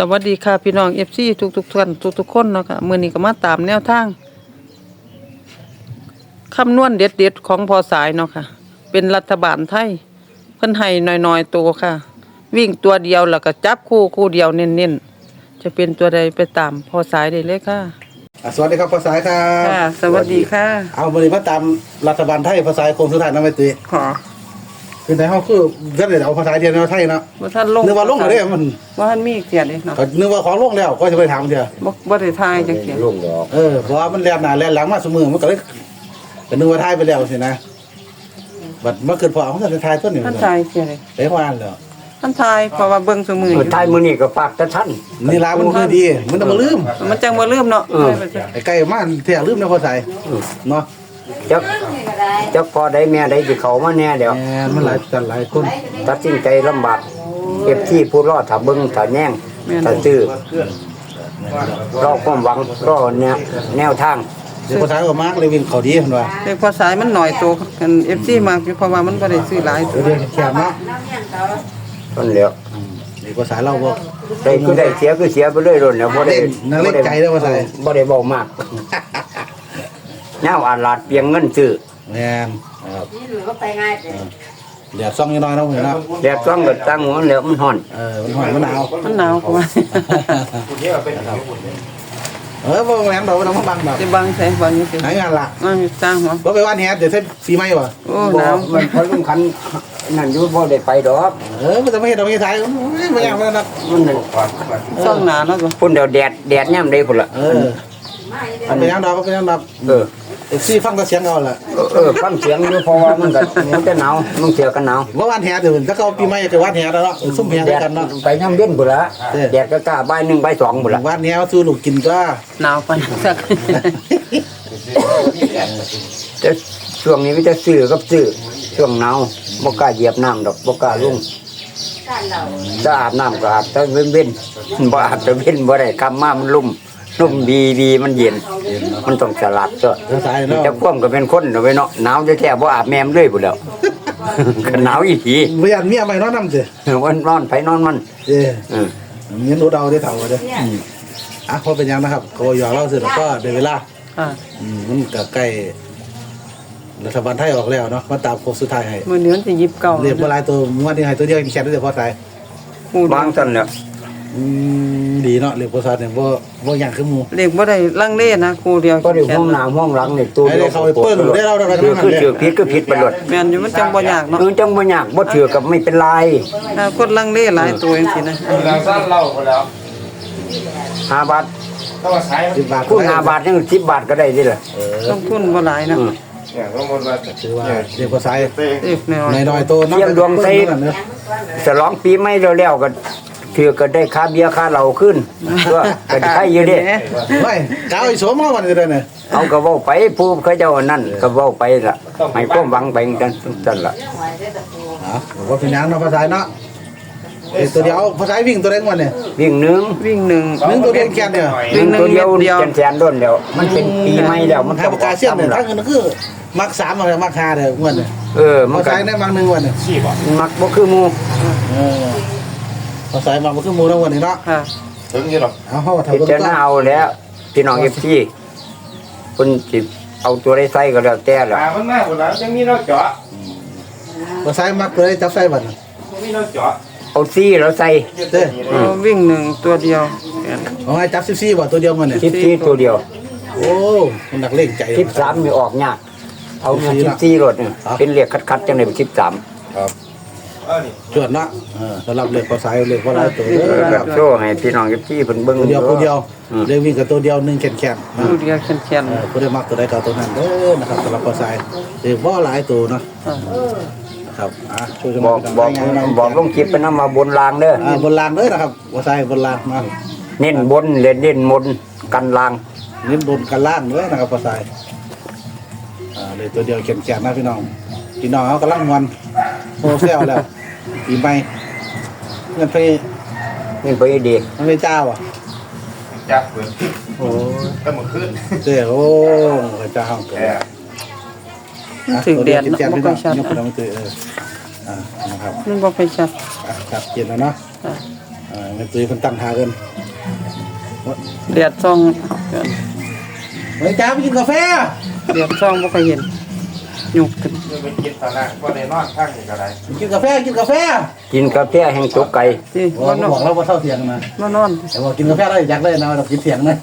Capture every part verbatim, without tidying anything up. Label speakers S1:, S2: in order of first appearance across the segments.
S1: วัสดีค่ะพี่น้อง เอฟ ซี ทุกๆท่านทุกๆคนเนาะค่ะมื้อนี้ก็มาตามแนวทางคำนวณเด็ดๆของพอสายเนาะค่ะเป็นรัฐบาลไทยเพิ่นให้น้อยๆตัวค่ะ วิ่งตัวเดียวแล้วก็จับคู่คู่เดียวเน้นๆจะเป็นตัวใดไปตามพอสายได้เลยค่ะ
S2: อ่ะสวัสดีครับภาษายครับ
S1: ค่ะ สวัสดีค่ะ
S2: เอาวันนี้มาตามรัฐบาลไทยภาษาโคงสุดท้ายนะไม่ตี
S1: ขอ
S2: คือในห้องคือท่านเดี๋ยวเอาภาษาเดียวในไทยเนาะ
S1: บ่ทันลง
S2: นึกว่าลงเลยมัน
S1: บ่ทันมีเกียรติเลยเนาะ
S2: ก็นึกว่าของลงแล้วก็จะไปถามเดียว
S1: บ่บ่ได้ทายจักเกียรติ
S3: ลุงดอก
S2: เออเพราะว่ามันแล่นหน้าแล่นหลังมาเสมอมันก็เลยก็นึกว่าไทยไปแล้วสินะบัดมาเกิดพอของท่านไทยต้นนี่
S1: ท่านทายเกียรติเลย
S2: เอ้วานแล้ว
S1: ท่านทายเพราะว่าเบิ่งซุมื้อ
S3: เออท้ายมื้อนี้ก็ฝากแต่ท่าน
S2: นี่ลามันคือดีมันต้องมาลืม
S1: มันจังบ่ลืมเนาะ
S2: ไอ้ไก่มาเที่ยลืมนะภาษาเนาะ
S3: จักจักพอได้แม่ได้สิเข้ามาแน่เดี๋ยว
S2: แหมมันหลายจันหลายคน
S3: ตัดสินใจลำบากเก็บที่ผู้รอดถ้าเบิ่งถ้าแย่งถ้าซื้อรอความหวังรอแนวแนวทาง
S2: เดี๋ยวภาษาก็มากเลยวิ่งเขาดีเห็นว่า
S1: เลขพอสายมันหน่อยตัวกัน เอฟ ซี มากอยู่เพราะว่ามันบ่ได้ซื้อหลายตัว
S2: เดี๋ยวแคบเนาะ
S3: ต้นแล้ว
S2: นี่ภาษาเราบ่
S3: ได้คือได้เสียคือเสียไปเลยโดนแล้วบ่ได้
S2: นั่นเล่นใจเด้อว่าใส่
S3: บ่ได้เว้ามากแนวอาลาดเปียงเงินซื้อ
S2: แม่นครับเดี๋ยวซ่องนิดหน่อยเนาะเห็นเนาะ
S3: แดดซ่องก็ตั้งหัวแล้วมันฮ้อน
S2: เออมันหอนมันหนาว
S1: มันหนาวกว่า
S2: เออบ่แม่นดอกบ่ต้องมาบังดอก
S1: สิบังใส่บังนี่สิ
S2: หางานละ
S1: มันสร้างหัว
S2: บ่ไปว่านแฮดเดี๋ยวใช้ปีใหม่บ่
S1: โอ้
S3: บ่
S1: หนาว
S3: มันพอสำคัญนั่นอยู่บ่ได้ไปดอก
S2: เออมันจะไม่เฮ็ดดอกไม่ถ่ายบ่อยากมันนัก
S3: มันนั่น
S1: ซ่องหนาแล้วก็
S3: พุ่นเดี๋ยวแดดแดดย่ำได้พุ่นละ
S2: เออมันเป็นยังดอกมันเป็นยังดอก
S3: เออ
S2: เอฟซีฟังแต่เสียงเอาล่ะ
S3: เออเออฟังเสียงอยู่เพราะว่ามันก็มันจะหนาวมันเสียกันหนาว
S2: บ่ว่านแฮดเดี๋ยวถ้าเขาปีใหม่จะว่านแฮดแล้วเนาะซุ่มแฮด
S3: แดด
S2: กันเนาะ
S3: ไปย่ำเย็นพุ่นละ
S2: เออ
S3: แดดก็กล้าบ่ายหนึ่งบ่ายสองพุ่นละ
S2: ว่านแฮดสู้ลูกกินก็
S1: หนาวปานสัก
S3: แต่ช่วงนี้มันจะซื้อกับซื้อช่วงหนาวบ่กล้าเหยียบน้ำดอกบ่กล้าลงจะอาบน้ำก็อาบแต่เว้นเว้นบ่อาบแต่เว้นบ่ได้กำมามันลุ่มลุ่มดีดีมันเย็น มันต้องสลัดก็
S2: ภาษาเนาะ
S3: จะคว่ำก็เป็นคนเอาไว้เนาะหนาวจะแท้บ่อาบแม่มเลยพุ่นแล้ว ก็หนาวอีที
S2: บ่อยากเมียใหม่เนาะนำสิ
S3: วันนอนไผนอนมัน
S2: เออ
S3: เออ
S2: เงินรถเอาได้เท่าเด้ออ่ะพอเป็นยังนะครับก็ยอเล่าเสร็จแล้วก็ได้เวลา
S1: อ่า
S2: อืมมันก็ใกล้รัฐบาลไทยออกแล้วเนาะมาตามโค้งสุดท้ายให้
S1: มื้อนี้มันสิยิบเก่า
S2: เรียกว่าหลายตัวงวดนี้ให้ตัวเดียวแค่ตัวเดียวพอตาย
S1: ฮู้
S3: วางซั่นแล้ว
S2: อืมดีเนาะเรียกภาษาเนี่ยบ่บ่อย่างคือหมู่
S1: เลขบ่ได้ลังเลนะครูเดียว
S3: ก็ได้ห้องน้ำห้องหลังนี่ตัว
S2: ให้ได้เข้าไปเปิ้ลได้เราได้เรา
S3: คือ
S2: ทำ
S3: คือ
S2: นั่น
S3: ถือผิดก็ผิดไปหมด
S1: แม่นอยู่มันจังบ่ยากเนาะ
S3: คือจังบ่ยากบ่ถือกับไม่เป็นไร
S1: ถ้าคนลังเลหลายตัวจังซี่นะ
S4: เราสั้นเล่าไปแล้ว
S3: ห้าบาท
S4: ถ้าว่าใช้
S2: สิบบาท
S3: คุณห้าบาทยังสิบบาทก็ได้ดิล่ะ
S2: เออ
S1: ลงทุนบ่หลายนะ
S3: อืม
S4: เนี่ยต้องมนว่า
S2: ถือว่าเรียกภาษา
S4: เต้
S1: เลขน้อย
S2: ในน้อยๆตัวนับเป็นเปิ้ลนั่นเนอะ
S3: ฉลองปีใหม่แล้วๆก็ถือก็ได้ค่าเบียร์ค่าเหล้าขึ้นก็ก็ได้ใครอยู่เด้
S2: เฮ้ยกาวไอ้โสมมาวันนี้เลยเนี่ย
S3: เอาก็เว้าไปผู้เขาเจ้านั่นก็เว้าไปล่ะให้ความหวังไปกันซั่นล่ะ
S2: อ๋อว่าเป็นยังเนาะภาษาเนาะเอ้ยตัวเดียวภาษาวิ่งตัวเล็กวันเนี่ย
S3: วิ่งหนึง
S1: วิ่งหนึ่ง
S2: หนึ่งตัวเดียวแค่เนี่ย
S3: วิ่งตัวเดียว
S1: เดียว
S3: แสนๆโดนแล้วมันเป็นปีใหม่แล้วมัน
S2: ถ้าปากกาเสี้ยนเนี่ย
S3: ล่ะ
S2: ทั้งเงินก็คือมักสามอะไรมักห้าเด้อวันเนี่ย
S3: เออมัน
S2: ภา
S3: ก็
S2: ษาเนี่ยมักหนึ่งวันเนี่ย
S4: ขี้บ่
S3: มักบ่คือหมู่
S2: เออภาษามักมันคือหมูทั้งวันนี้เนาะ
S1: ค่ะ
S4: ถึงยี่หรอ
S2: เอาเข้ามา
S3: พิ
S2: ทำ
S3: จารณาเอาแล้วพี่น้อง เอฟ ซี เพิ่นสิเอาตัวได้ใส่ก็แล้วแต่ล่ะ
S4: หามันมากกว่านั้นยังมีเราเจาะ
S2: ภาษามักตัวได้จับใส่บัตร
S4: มีเราเจาะ
S3: เอาซี่แล้วใส่
S2: เด้อ
S1: เอาวิ่งหนึ่งตัวเดียว
S2: เอาไงจับสิบสี่บ่ตัวเดียวมันเนี่ย
S3: สิบสี่ตัวเดียว
S2: โอ้มันหนักเล่งใจ
S3: สิบสามมีออกยากเอา
S2: สิบสี่
S3: สิบ
S2: ละ
S3: สี่รถนี่
S2: ครับ
S3: เป็นเรียกคัดๆจังได๋สิบสาม
S2: ครับ
S4: เออนี่
S2: จวดเนาะเออสำหรับเลือกภาษาเลือกภาษาตัวเด้
S3: เออ
S2: อ
S3: แบบโชว์ให้พี่น้อง เอฟ ซี เพิ่นเบิ่ง
S2: ตัวเดียวตัวเดียว
S3: อืม
S2: เรียกวิ่งกับตัวเดียวหนึ่งแขนแขนๆนะ
S1: ตัวเดียวแข็ง
S2: เออผู้ได้มักตัวใดก็เอาตัวนั้นเด้อนะครับสำหรับภาษาเรียกว่าหลายตัวเนาะ
S1: ๆอ่า
S2: นะครับอ่ะช่วยกัน
S3: บอกบอก
S2: ให้งาน
S3: บอกลงคลิปไปนำมาบนรางเด้อ
S2: อ่าบนลานเด้อนะครับภาษาบนลานมา
S3: เน้นบนเล่นเน้นมนกันราง
S2: เน้นบนกันล่างเด้อนะครับภาษาอ่าเลยตัวเดียวแขนแขนๆนะพี่น้องพี่น้องเขากำลังวันโฮเซลแล้วปีใหม่เงินไป
S3: นี่ไปดี
S2: มันไม่เจ้าอ่ะ
S4: จับเปิด
S2: โอ้
S4: ก็มาขึ้น
S2: เจ้าโอ้พระเจ้าห้องเกิด
S4: แอบ
S1: มันถึงแดด
S2: เนาะ
S1: เนาะบ่ค่อยชัด
S2: ยกขึ้นมาเตยเอออ่านะครับ
S1: มันบ่ค่อยชัด
S2: อ่ะครับเย็นแล้วเนาะ
S1: อ่า
S2: อ่าแม่ตุ้ยเพิ่นตั้งท่ากัน
S1: เดียดซอง
S2: เฮ้ยจ้าไปกินกาแฟ
S1: เดียดซองบ่เคยเห็นหยุกขึ้น
S4: เดี๋ยวไปกินตอนนั้นว่าในนอนข้างนี่ก็ได้
S2: กินกาแฟกินกาแฟ
S3: กินกาแฟแห่งตกไก่
S1: สิ
S2: โอ้
S1: บ่นอ
S2: บอก
S1: น
S2: แล้วว่าเท่าเทียงนะ
S1: บ่นอน
S2: แต่ว่ากินกาแฟได้อยากได้นะเรากินเถียงนะ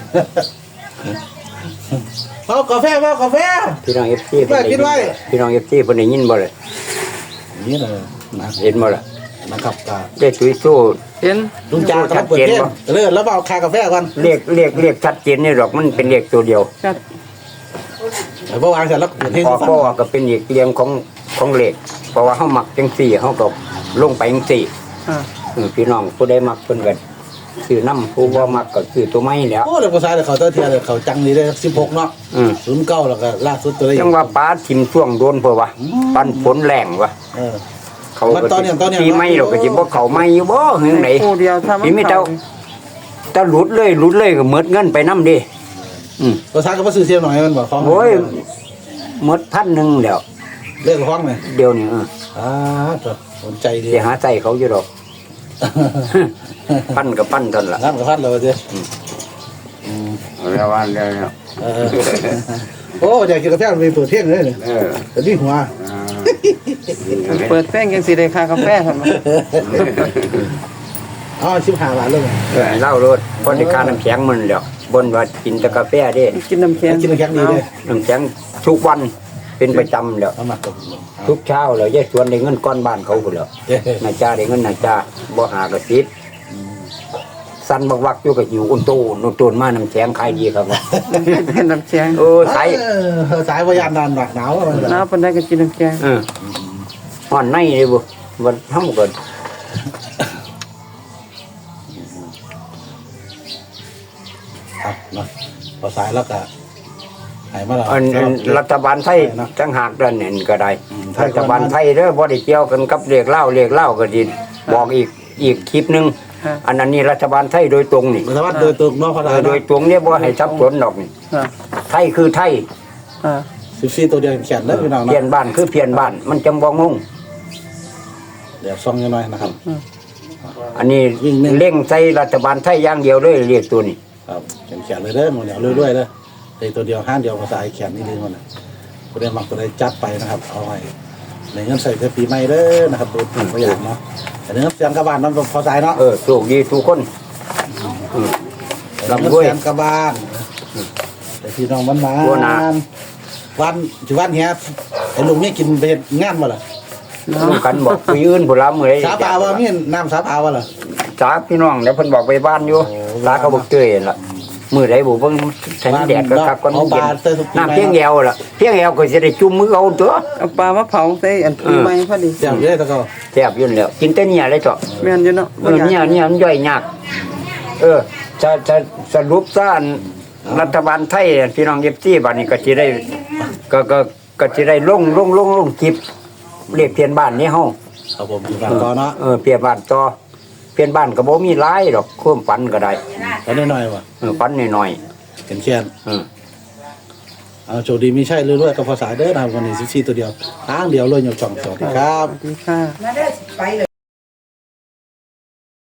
S2: เอากาแฟเอากาแฟ
S3: พี่น้อง เอฟ ซี
S2: กินไว้กินไว้
S3: พี่น้อง เอฟ ซีเพิ่นได้ยินบ่ล่ะ
S2: นี่เลยนะ
S3: เห็นบ่ล่ะ
S2: นะครับกา
S3: ได้ตุ้ยสู้
S1: เห็น
S2: ลุงจ่ากำลังเปิดเพลงเลิกแล้วเอาคากาแฟก่อน
S3: เรียกเรียกเรียกชัดเจนนี่ดอกมันเป็นเลขตัวเดียว
S1: ชัด
S2: เดี๋ยวพอวางเสร็จแล้วเปิดเพลง
S3: พอ
S2: ฟัง
S3: ก็ว่าก็เป็นอีกเรียงของของเลขเพราะว่าเฮามักจังซี่เฮาก็ลงไปจังซี่
S1: อ่า
S3: เออพี่น้องผู้ใดมักเพิ่นก็ซื้อน้ำผู้บ่มักก็ซื้อตัวไม้แหล้ว
S2: โอ้เลยภาษาเลยเขาเท่าเทียเลยเขาจังนี้ได้สิบหกเนาะ
S3: อืม
S2: ศูนย์เก้าแล้วก็ล่าสุดตัวได้
S3: จังว่าป้าทิมช่วงโดนเพิ่นว่าปันฝนแรงว่ะ
S2: เออ
S3: เขา
S2: มัน
S3: ก็
S2: ตอนเนี่ยตอนเนี่ย
S3: ปีใหม่เราก็สิบ่เข้าใหม่อยู่บ่เฮืองไหน
S1: คู่เดียวถ้ามัน
S3: พี่มีเจ้า ถ้าหลุดเลยหลุดเลยก็หมดเงินไปนำดิอืม
S2: ภาษาก็มาซื้อเสียหน่อยมันบอกของ
S3: โอ้ยหมดพันหนึงแล้ว
S2: เลิกห้องเลย
S3: เดี๋ยวนี้เออ
S2: อ่าจ้ะสนใจดี
S3: สิหาใส่เขาอยู่ดอก ปั้นกับปั้นเท่านั้นล่ะ
S2: งั้นก็พัดเลยเจ้
S3: เอาแล้วว่าแล้วแล้ว
S2: เออโอ้อยากกินกาแฟมันไปเปิดเพลงเลยเนี่ย
S3: เออ
S2: แต่นี่หัว
S1: เปิดแป้งจังสิได้ค่ากาแฟหั่นบ่
S2: อ๋อชิบหาบาทเลย
S3: เออเล่ารถพอได้ค่าน้ำแข็งมันแล้วบนว่ากินแต่กาแฟเด้
S1: กินน้ำแข็ง
S2: กินน้ำแข็งดีเลย
S3: น้ำแข็งทุกวันเป็นประจำแล้ว
S2: เอามาตบ
S3: ทุกเช้าแล้วยายสวนได้เงินก้อนบ้านเขาพุ่นแล้ว
S2: เย้
S3: นาจ้าได้เงินนาจ้าบ่หากระติดสันบักวักอยู่กับหิวอุ่นโตนุ่นโตนมาน้ำแข็งขายดีครับว่า
S1: กินน้ำแข็ง
S3: เออขาย
S2: เออสายพยานนานหนักหนาวมัน
S1: น้ำปานใดก็กินน้ำแข็ง
S3: เออห่อนในเลยบ่วันทำก็
S2: ครับเนาะพอสายแล้วก็หายมาแล้ว
S3: อันอันรัฐบาลไทยจังหากดันเนี่ยก็ได้
S2: อืม
S3: รัฐบาลไทยเด้อบ่ได้เกี่ยวกันกับเรียกเล่าเรียกเล่าก็สิบอกอีกอีกคลิปหนึง
S1: ค่ะ
S3: อันนั้นนี่รัฐบาลไทยโดยตรงนี่
S2: รัฐบาลโดยตรงเนาะพอ
S3: เอ
S2: สา
S3: อย โดยตรงเนี่ยบ่ให้ทับสนดอกนี่
S1: อ่า
S3: ไทยคือไทย
S1: อ่า
S2: สิบสี่ตัวเดียวแขนแล้วพี่น้อง
S3: เพียน
S2: เนาะ
S3: บ้านคือเพียนบ้าน มันจังบ่งง
S2: เดี๋ยวซ่องยังน้อยนะครับ
S3: อันนี้
S2: วิ่งหนึ่ง
S3: เร่งใส่รัฐบาลไทยอย่างเดียวเลยเรียกตัวนี้
S2: ครับแขนแขนเลยเด้อหมดเดี๋ยวเรื่อยๆเด้อเลยตัวเดียวห้างเดียวภาษาแขนนี่ดีหมดเลยตัวเดียวมักตัวใดจัดไปนะครับ เอาไว้ในเงินใส่เพื่อปีใหม่เด้อนะครับดูถึงตัวอย่างเนาะแต่เงินเสียงกระบาลน้ำพอสายเนาะ
S3: เออโชคดีทุกคนอืม
S2: เงิน
S3: ร่ำรวย
S2: เสียงกระบาลแต่พี่น้องมันมา
S3: บัวหนา
S2: วันจุวันเนี้ยไอ้ลุงนี่กินไปเฮ็ดงานมาล่ะ
S3: ร่วมกันบอกคุยอื่นผู้ละมื้อใด
S2: สาปาวะมีน้ำสาปาวะล่ะ
S3: สาพี่น้องเดี๋ยวเพิ่นบอกไปบ้านอยู่
S2: โอ้
S3: ลาเขาบอกเตยนั่นล่ะมื้อใดบ่เบิ่งแสงแดดก็คักก่อน
S2: เอา
S3: เย็
S2: ปลาน เตยทุกปี
S3: น้ำเพียงแอวล่ะเพียงแอวก็สิได้จุ่มมือเอาตัว
S1: เอาปลามาเผาใส่อันปีใหม่พอดี
S2: เดี๋ยวเยอะตะก็
S3: แซ่บอยู่นั่นแหล้วกินแต่เนี่ยเลยเถาะ
S1: แม่นอยู่เนาะ
S3: เออเนี่ยเนี่ยมันย่อยยาก เออจะจะสรุปซะอันรัฐบาลไทยพี่น้องเอฟซีบัดนี้ก็สิได้ก็ก็ก็สิได้ลงลงลงลงคลิปเรียกเพียนบ้านนี้เฮา
S2: ครับผมอยู่บ้านก่อนเนาะ
S3: เออเพียนบ้านต่อเพียนบ้านก็บ่มีหลายดอกความฝันก็ได้
S2: แล้วนิดหน่อยว่ะ
S3: เออฝันน้อย
S2: เขียนเขียน
S3: ๆเออ
S2: เอาโชคดีมีใช่เรื่อยๆกับภาษาเด้อนะครับวันนี้สิบสี่ตัวเดียวทางเดียวเลยยกจ่องสวัสดีครับ
S1: สวัสดีค่ะ